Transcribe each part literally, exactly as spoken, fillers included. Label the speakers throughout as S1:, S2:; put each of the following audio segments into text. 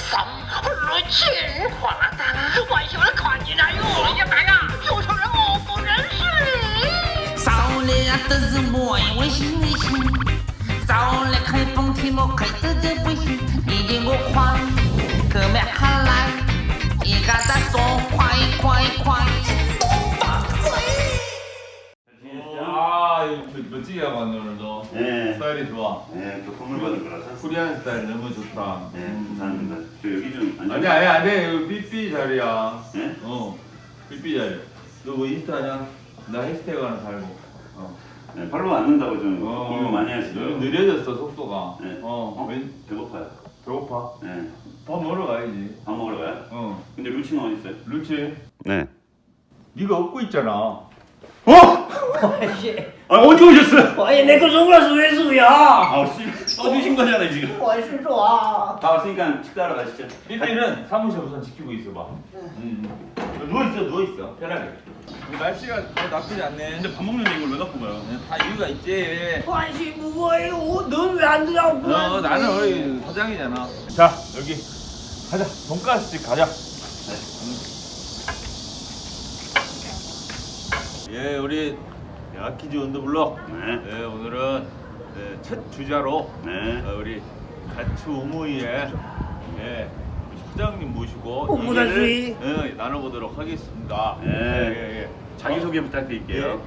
S1: 三入侵，哗啦哒啦，外星人看进来哟！呀妈呀，有仇人我不认识。
S2: 少年啊，都是我微信微信，少年开放题目开的就不行，你给我快，可别喊来，一个在说快快快，放水。
S3: 아, 멋지게 하고 왔네 오늘도.
S4: 네.
S3: 스타일이 좋아.
S4: 네, 또 선물 받은 거라서.
S3: 코리안 스타일 너무 좋다.
S4: 네, 감사합니다. 저 여기 좀 앉아.
S3: 아니 아니 아니 여기 삐삐 자리야.
S4: 네?
S3: 어, 삐삐 자리. 너 뭐 인스타 하냐? 나 해시태그 하나 달고. 어.
S4: 네, 팔로우 안 는다고 좀
S3: 어.
S4: 고민 많이 하시더라고요.
S3: 느려졌어 속도가.
S4: 네.
S3: 어.
S4: 어?
S3: 왠?
S4: 배고파요.
S3: 배고파?
S4: 네.
S3: 밥 먹으러 가야지.
S4: 밥 먹으러 가요?
S3: 어.
S4: 근데 루치는 어디 있어요?
S3: 루치.
S4: 네.
S3: 네가 업고 있잖아.
S4: 어?
S5: 아이씨,
S4: 아, 언제 오셨어요?
S5: 아니 내거 선글라스 왜 쓰냐?
S4: 아, 써주신 거잖아요, 지금.
S5: 훨씬 좋아.
S4: 다 왔으니까 식사하러 가시죠.
S3: 삐삐는 사무실 우선 지키고 있어봐. 응. 누워 있어, 누워 있어. 편하게. 날씨가 뭐 나쁘지 않네.
S4: 근데 밥 먹는데 이걸 왜 갖고 가요?
S3: 다 이유가 있지.
S5: 아이씨 무거워요. 넌 왜 안 들어가고?
S3: 어, 나는 우리 사장이잖아. 자, 여기 가자. 돈가스집 가자. 예, 우리 야키즈 언더블럭.
S4: 네.
S3: 네, 오늘은 네, 첫 주자로
S4: 네.
S3: 어, 우리 가츠 오모이의 예, 사장님 모시고
S5: 어,
S3: 얘기를 예, 나눠보도록 하겠습니다.
S4: 네.
S3: 예, 예.
S4: 자기소개 부탁드릴게요.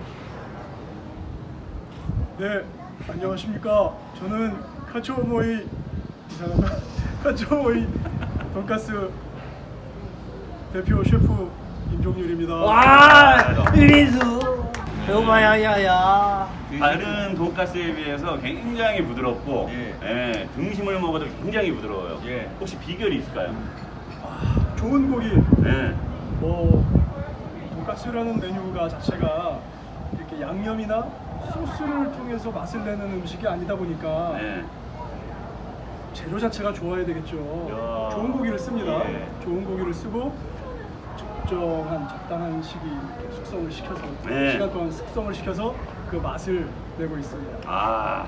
S6: 네, 안녕하십니까. 저는 카츠오모이 이상한가? 카츠오모이 돈가스 대표 셰프 임종률입니다.
S5: 와, 일인수. 배고파야 야야.
S4: 다른 돈가스에 비해서 굉장히 부드럽고
S3: 예.
S4: 예, 등심을 먹어도 굉장히 부드러워요.
S3: 예.
S4: 혹시 비결이 있을까요?
S6: 좋은 고기.
S4: 네.
S6: 뭐 돈가스라는 메뉴가 자체가 이렇게 양념이나 소스를 통해서 맛을 내는 음식이 아니다 보니까
S4: 네.
S6: 재료 자체가 좋아야 되겠죠.
S4: 야.
S6: 좋은 고기를 씁니다.
S4: 예.
S6: 좋은 고기를 쓰고 적정한 적당한 시기 이렇게 숙성을 시켜서
S4: 네.
S6: 시간 동안 숙성을 시켜서 그 맛을 내고 있습니다.
S4: 아.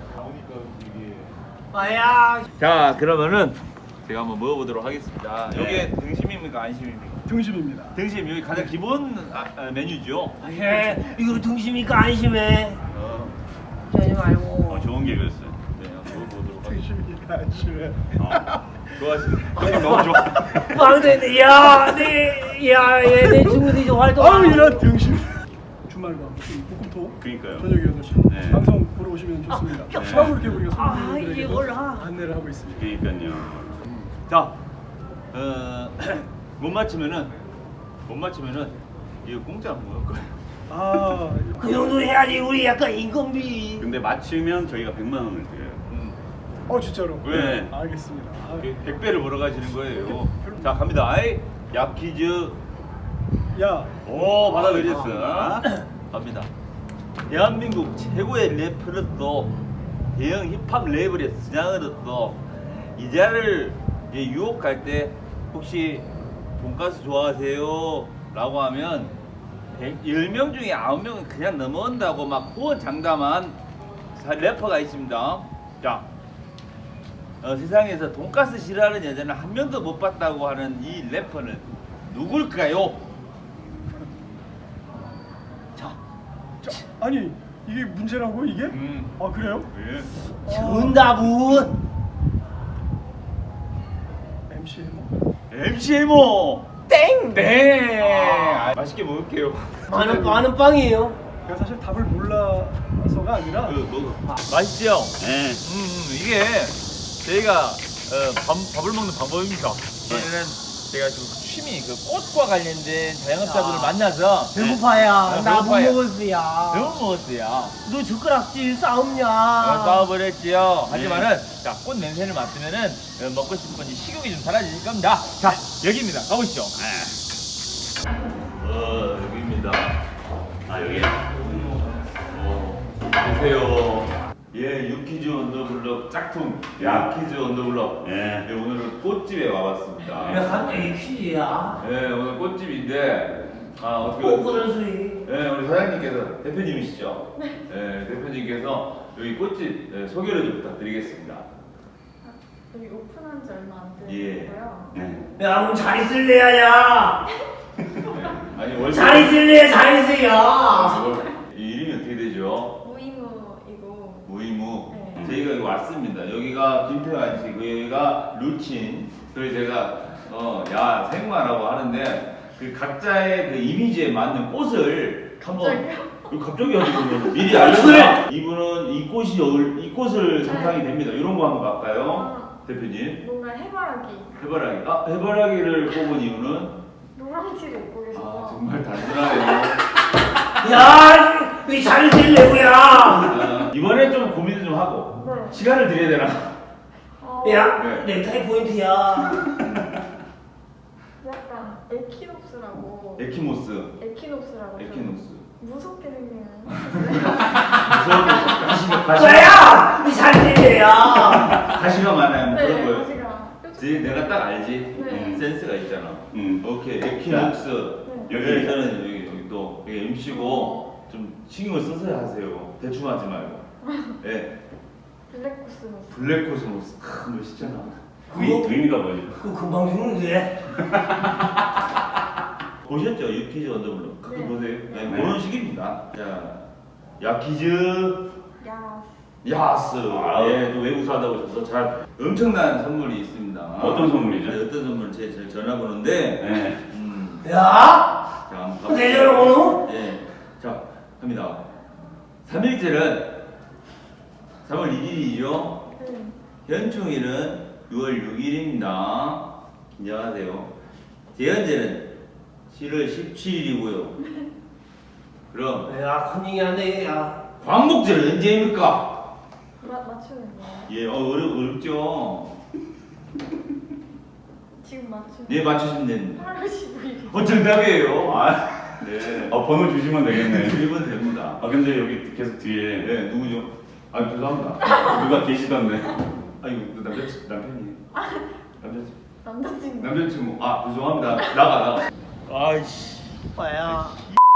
S5: 아야.
S3: 자, 그러면은 제가 한번 먹어보도록 하겠습니다.
S4: 네.
S3: 이게 등심입니까, 안심입니까?
S6: 등심입니다.
S3: 등심 여기 가장 기본 아, 아, 메뉴죠.
S5: 예, 이거 등심이니까 안심해.
S3: 어,
S5: 자지
S4: 어,
S5: 말고.
S4: 좋은 개그였어요.
S3: 네, 한번 먹어보도록 하겠습니다.
S6: 등심이니까 안심해.
S4: 어.
S3: 좋아하시네. 형님 너무 좋아.
S5: 방송인데 야, 내, 야, 얘 내 친구들이 좀 활동.
S6: 아우 이런 등심. 주말과 볶음토
S4: 그러니까요.
S6: 저녁 여덟 시
S4: 네.
S6: 방송 보러 오시면 좋습니다.
S5: 아,
S6: 처음 이렇게 우리가
S5: 아,
S6: 손님들에게
S5: 이걸 하.
S6: 안내를 하고 있습니다.
S4: 그러니까요.
S3: 자, 어, 못 맞추면은 못 맞추면은 이거 공짜 안 먹을 거예요.
S6: 아,
S5: 그 정도 해야지 우리 약간 인건비.
S4: 근데 맞추면 저희가 백만 원을 드려요.
S3: 음,
S6: 어 진짜로.
S4: 네.
S6: 알겠습니다. 아,
S3: 백 배를 벌어 가시는 거예요. 자, 갑니다. 아이, 야키즈.
S6: 야,
S3: 오, 받아들였어. 갑니다. 대한민국 최고의 래퍼로서 대형 힙합 레이블의 수장으로서 이 자를 이제 유혹할 때 혹시 돈가스 좋아하세요? 라고 하면 열 명 중에 아홉 명은 그냥 넘어온다고 막 후원장담한 사- 래퍼가 있습니다. 자, 어, 세상에서 돈가스 싫어하는 여자는 한 명도 못 봤다고 하는 이 래퍼는 누굴까요? 자,
S6: 자, 아니 이게 문제라고 이게?
S3: 음.
S6: 아 그래요?
S3: 예.
S5: 정답은
S6: 엠씨 뭐?
S3: 엠씨 에모
S5: 땡.
S3: 네. 아, 맛있게 먹을게요.
S5: 많은 많은 빵이에요.
S6: 제가 사실 답을 몰라서가 아니라
S3: 그 뭐, 맛있죠?
S4: 네.
S3: 음, 음, 이게 저희가 어, 밥, 밥을 먹는 방법입니다. 이번에는 제가 좀 취미 그 꽃과 관련된 자영업자들을
S5: 야.
S3: 만나서
S5: 배고파야.
S3: 네,
S5: 나 못
S3: 배고파요.
S5: 먹었어야.
S3: 너무 먹었어요.
S5: 너 젓가락질 싸움냐?
S3: 어, 싸워버렸지요.
S4: 네.
S3: 하지만은 자, 꽃 냄새를 맡으면은 어, 먹고 싶은 건지 식욕이 좀 사라질 겁니다. 자, 여기입니다. 가보시죠.
S4: 네.
S3: 어, 여기입니다.
S4: 아, 여기.
S3: 안녕하세요. 예, 유키즈 언더블럭 짝퉁 야키즈 언더블럭.
S4: 네.
S3: 예, 오늘은 꽃집에 와봤습니다.
S5: 왜 갑자기 퀴즈야?
S3: 예, 오늘 꽃집인데 아 어떻게
S5: 꼬꾸는 수익.
S3: 예, 우리 사장님께서 대표님이시죠? 네. 예, 대표님께서 여기 꽃집 예, 소개를 좀 부탁드리겠습니다.
S7: 여기 오픈한 지 얼마 안 된.
S3: 예,
S5: 야, 그럼 잘 있을래야, 야.
S4: 아니 월세
S5: 잘 있을래야, 잘 있어야.
S3: 이 이름이 어떻게 되죠?
S7: 무이무이고.
S3: 무이무.
S7: 네.
S3: 저희가 여기 왔습니다. 여기가 김태환 씨, 여기가 루친. 그래서 제가 어, 야 생마라고 하는데 그 각자의 그 이미지에 맞는 꽃을 한번 그 갑자기 하시면 미리 알려주세요. 이분은 이 꽃이 어울, 이 꽃을 상상이 됩니다. 이런 거 한번 볼까요, 대표님?
S7: 뭔가 해바라기.
S3: 해바라기. 아 해바라기를 뽑은 이유는
S7: 노랑티를 입고 계셔서.
S3: 아 정말 단순하네요.
S5: 야, 이잘 있을래고야.
S3: 아, 이번에 좀 고민을 좀 하고
S7: 네.
S3: 시간을 드려야 되나?
S7: 어,
S5: 야,
S3: 네.
S5: 넥타이 포인트야.
S7: 약간 에키놉스라고.
S3: 에키모스.
S7: 에키놉스라고. 좀
S3: 에키노스.
S7: 무섭게 생기는.
S3: 가시가 가시가
S5: 야, 이잘 있을래야.
S3: 가시가 많아요. 뭐
S7: 네,
S3: 그런 거요.
S7: 가시가.
S3: 지 내가 딱 알지.
S7: 네.
S3: 음, 센스가 있잖아.
S4: 음.
S3: 오케이 에키녹스.
S7: 네.
S3: 여기 일단은 여기 여기 또 여기 엠씨고 좀 신경을 써서 하세요. 대충 하지 말고. 예.
S7: 블랙코스모스.
S3: 블랙코스모스. 크, 멋있잖아.
S4: 의, 의미가 뭐지?
S5: 그거 금방 죽는데.
S3: 보셨죠? 유키즈 언더블럭. 그거
S7: 네.
S3: 보세요. 네,
S4: 네.
S3: 그런 식입니다. 자, 야키즈.
S7: 야.
S3: 야스.
S4: 아우.
S3: 예, 또 외국 사다고 오셔서 잘 엄청난 선물이 있습니다.
S4: 어떤 선물이죠?
S3: 네, 어떤 선물 제, 제 전화번호인데.
S4: 네.
S3: 음.
S5: 야,
S3: 자, 한번
S5: 내
S3: 가볼게요.
S5: 전화번호?
S3: 예. 자, 갑니다. 삼 일째는 삼월 일일이죠.
S7: 네.
S3: 현충일은 유월 육일입니다. 긴장하세요. 제헌제는 칠월 십칠일이고요. 그럼
S5: 야, 큰일이네, 야.
S3: 광복절은 언제입니까?
S7: 마, 맞추는 거예요.
S3: 예, 어, 어렵, 어렵죠.
S7: 지금 맞추는
S3: 네, 맞추시면 됩니다.
S7: 팔월 십오일.
S3: 어, 정답이에요.
S4: 아,
S3: 네.
S4: 어, 번호 주시면 되겠네.
S3: 드리면 됩니다.
S4: 아 근데 여기 계속 뒤에
S3: 네, 누구죠? 아, 죄송합니다.
S4: 누가 계시던데.
S3: 아, 이거 남자, 남편이에요. 남자친구.
S7: 남자친구.
S3: 남자친구. 아, 죄송합니다. 나가, 나가. 아이씨.
S5: 뭐야?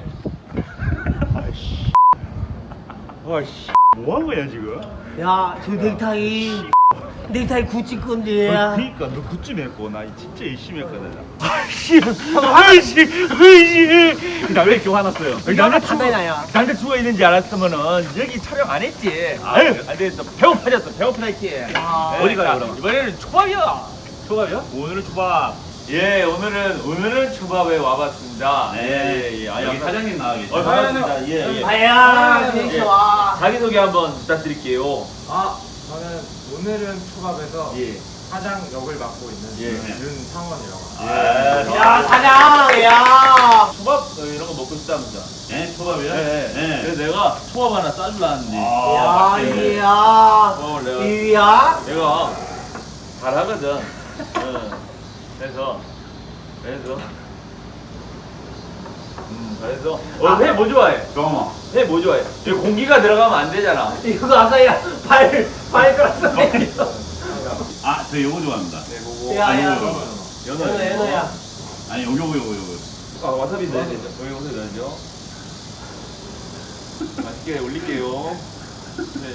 S8: 아씨 뭐한 거야 지금?
S5: 야, 저 넥타이. 넥타이 구찌 건데.
S8: 어, 그니까 너 그쯤 했고 나 진짜 열심히 했거든. 아씨 아이씨 아이씨 나 왜 이렇게 화났어요? 남자
S5: 판단이 나야.
S8: 남자 죽어 있는지 알았으면은 여기 촬영 안 했지. 아유 안 되겠어. 배고파졌어. 배고프다 했지.
S5: 아.
S8: 어디 가요 그럼? 이번에는 초밥이야. 초밥이야? 오늘은 초밥.
S3: 예, 오늘은, 오늘은 초밥에 와봤습니다.
S4: 네.
S3: 예, 예. 아,
S4: 여기 사장님 나와 계시죠?
S3: 어, 반갑습니다. 예, 예.
S5: 아야,
S3: 예.
S5: 좋아.
S3: 자기소개 한번 부탁드릴게요.
S9: 아, 저는 오늘은 초밥에서
S3: 예.
S9: 사장 역을 맡고 있는
S3: 예.
S9: 윤상원이라고 합니다.
S3: 아,
S5: 야, 사장, 야.
S3: 초밥 어, 이런 거 먹고 싶답니다.
S4: 네, 초밥이요?
S3: 네.
S4: 네.
S3: 그래서 내가 초밥 하나 싸줄라는데.
S4: 아,
S5: 야,
S3: 네.
S5: 이야.
S3: 초밥을 내가,
S5: 이야.
S3: 내가 잘하거든. 어. 그래서, 그래서. 음, 그래서. 어, 회 뭐 좋아해?
S4: 잠깐만.
S3: 회 뭐 좋아해? 여기 공기가 들어가면 안 되잖아.
S5: 이거 아까 야, 발, 발가락
S4: 아, 저 요거 좋아합니다.
S3: 네, 그거.
S5: 야,
S4: 아니,
S5: 야.
S4: 요거, 요거.
S3: 연어.
S5: 연어, 연어야.
S4: 아니, 요거, 요거, 요거.
S3: 아, 와사비 넣어야 되죠. 여기 와사비 넣어야죠. 맛있게 올릴게요. 네.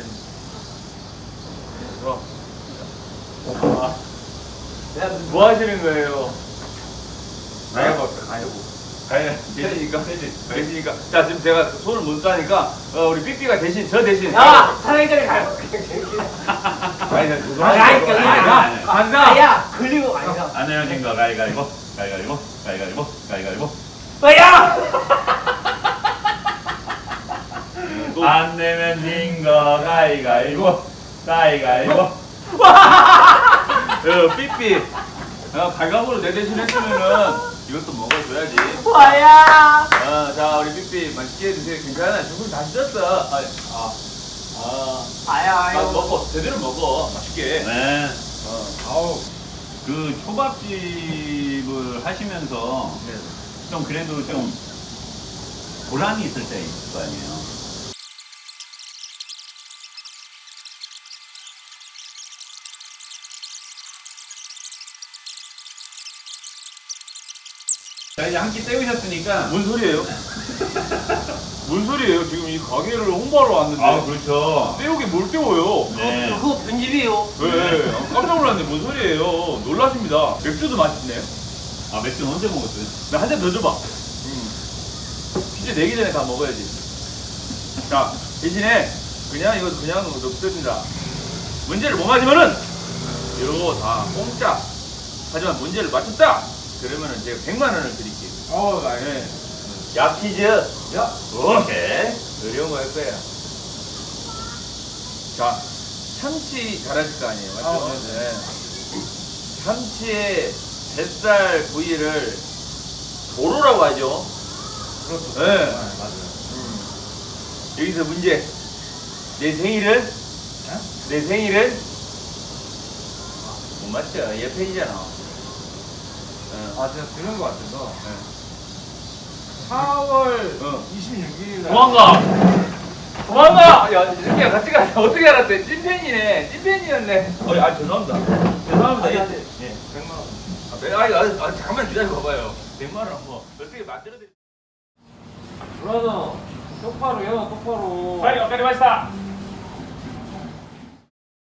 S3: 좋아. 아, 뭐 하시는 거예요? 가위바위보, 가위바위보. 가위바위보. 되시니까, 되시니까. 자, 지금 제가 손을 못 따니까, 어, 우리 삐삐가 대신, 저 대신.
S5: 야, 사장님까지 가요.
S3: 아니, 나
S5: 아,
S3: 죄송합니다.
S5: 아니, 그게 아니라.
S3: 간다.
S5: 아, 야, 걸리고 아니다.
S4: 안 내려진 거 가위가위보. 가위가위보. 가위가위보. 가위가위보.
S5: 아, 야.
S4: 안 내면 진 거 가위가위보. 가위가위보.
S3: 어, 삐삐. 어, 갈갑으로 내 대신 했으면은 이것도 먹어줘야지.
S5: 와야.
S3: 어, 자, 우리 삐삐 맛있게 해주세요. 괜찮아. 죽을 다 씻었어. 아, 아, 아.
S5: 아야,
S3: 아,
S5: 아유.
S3: 먹어. 제대로 먹어. 맛있게.
S4: 네.
S3: 어, 아우.
S4: 그 초밥집을 하시면서
S3: 네.
S4: 좀 그래도 좀 보람이 있을 때 있을 거 아니에요. 자 이제 한 끼 때우셨으니까
S3: 뭔 소리예요?
S8: 뭔 소리예요? 지금 이 가게를 홍보하러 왔는데.
S4: 아, 그렇죠.
S8: 떼우기 뭘 떼워요?
S4: 네.
S2: 그거 편집이에요.
S8: 왜? 아, 깜짝 놀랐는데 뭔 소리예요? 놀라십니다. 맥주도 맛있네요.
S4: 아, 맥주는 언제 먹었어요?
S8: 나 한 잔 더 줘봐. 음. 퀴즈 내기 전에 다 먹어야지. 자, 대신에 그냥 이거 그냥 없습니다. 문제를 못 맞으면은 이거 다 공짜. 하지만 문제를 맞췄다. 그러면은 제가 백만 원을 드릴게요.
S9: 어, 나
S8: 네. 야 퀴즈.
S9: 야.
S8: 오케이. 어려운 거 할 거야. 자, 참치 잘하실 거 아니에요, 맞죠?
S9: 아,
S8: 네. 참치의 뱃살 부위를 도로라고 하죠.
S9: 그렇죠.
S8: 네.
S9: 맞아요.
S8: 음. 여기서 문제. 내 생일은? 내 생일은? 못 맞죠? 얘 팬이잖아. 어.
S9: 아, 제가 들은 것 같아서. 사월
S8: 어.
S9: 이십육 일 날.
S8: 도망가! 도망가! 야, 이렇게 같이 가자. 어떻게 알았대? 찐팬이네. 찐팬이었네. 어, 아, 죄송합니다. 죄송합니다.
S9: 아니,
S8: 예.
S9: 아니.
S8: 예.
S9: 백만 원.
S8: 아, 백- 아니, 아니, 아니, 잠깐만 기다려봐봐요. 백만 원 뭐, 어떻게 만들어드릴게요?
S9: 브라더, 똑바로 해, 똑바로.
S8: 빨리, 빨리 마시다.